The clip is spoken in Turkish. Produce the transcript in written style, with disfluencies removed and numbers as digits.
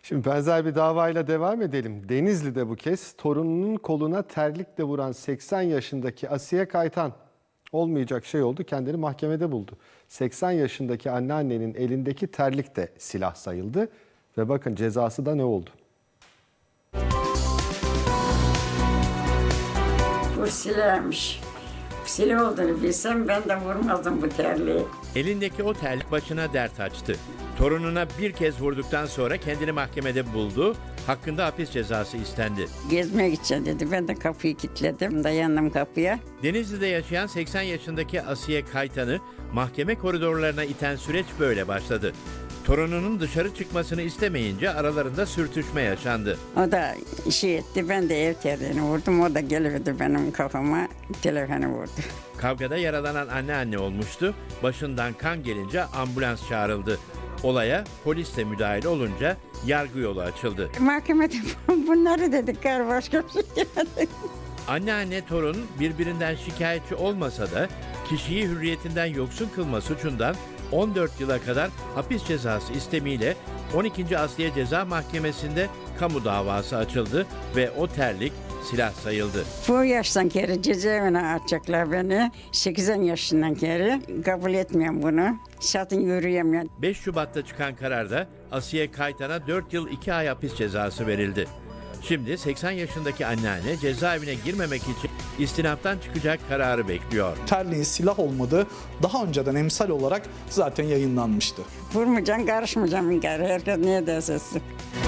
Şimdi benzer bir davayla devam edelim. Denizli'de bu kez torununun koluna terlikle vuran 80 yaşındaki Asiye Kaytan olmayacak şey oldu, kendini mahkemede buldu. 80 yaşındaki anneannenin elindeki terlik de silah sayıldı ve bakın cezası da ne oldu? Bu silahmış. Silah olduğunu bilsem ben de vurmazdım bu terliği. Elindeki o terlik başına dert açtı. Torununa bir kez vurduktan sonra kendini mahkemede buldu. Hakkında hapis cezası istendi. Gezmeye gideceğim dedi. Ben de kapıyı kilitledim. Dayandım kapıya. Denizli'de yaşayan 80 yaşındaki Asiye Kaytan'ı mahkeme koridorlarına iten süreç böyle başladı. Torununun dışarı çıkmasını istemeyince aralarında sürtüşme yaşandı. O da şey etti. Ben de ev terliğini vurdum. O da geliverdi benim kafama. Telefonu vurdu. Kavgada yaralanan anneanne olmuştu. Başından kan gelince ambulans çağrıldı. Olaya polis de müdahil olunca yargı yolu açıldı. Mahkemede bunları dedik. Başka bir şey demedik. Anneanne torun birbirinden şikayetçi olmasa da kişiyi hürriyetinden yoksun kılma suçundan 14 yıla kadar hapis cezası istemiyle 12. Asliye Ceza Mahkemesi'nde kamu davası açıldı ve o terlik silah sayıldı. Bu yaştan geri cezaevine atacaklar beni. 80 yaşından geri. Kabul etmiyorum bunu. Zaten yürüyemiyorum. 5 Şubat'ta çıkan kararda Asiye Kaytan'a 4 yıl 2 ay hapis cezası verildi. Şimdi 80 yaşındaki anneanne cezaevine girmemek için istinaftan çıkacak kararı bekliyor. Terliğin silah olmadığı daha önceden emsal olarak zaten yayınlanmıştı. Vurmayacaksın, karışmayacaksın. Herkes niye derse.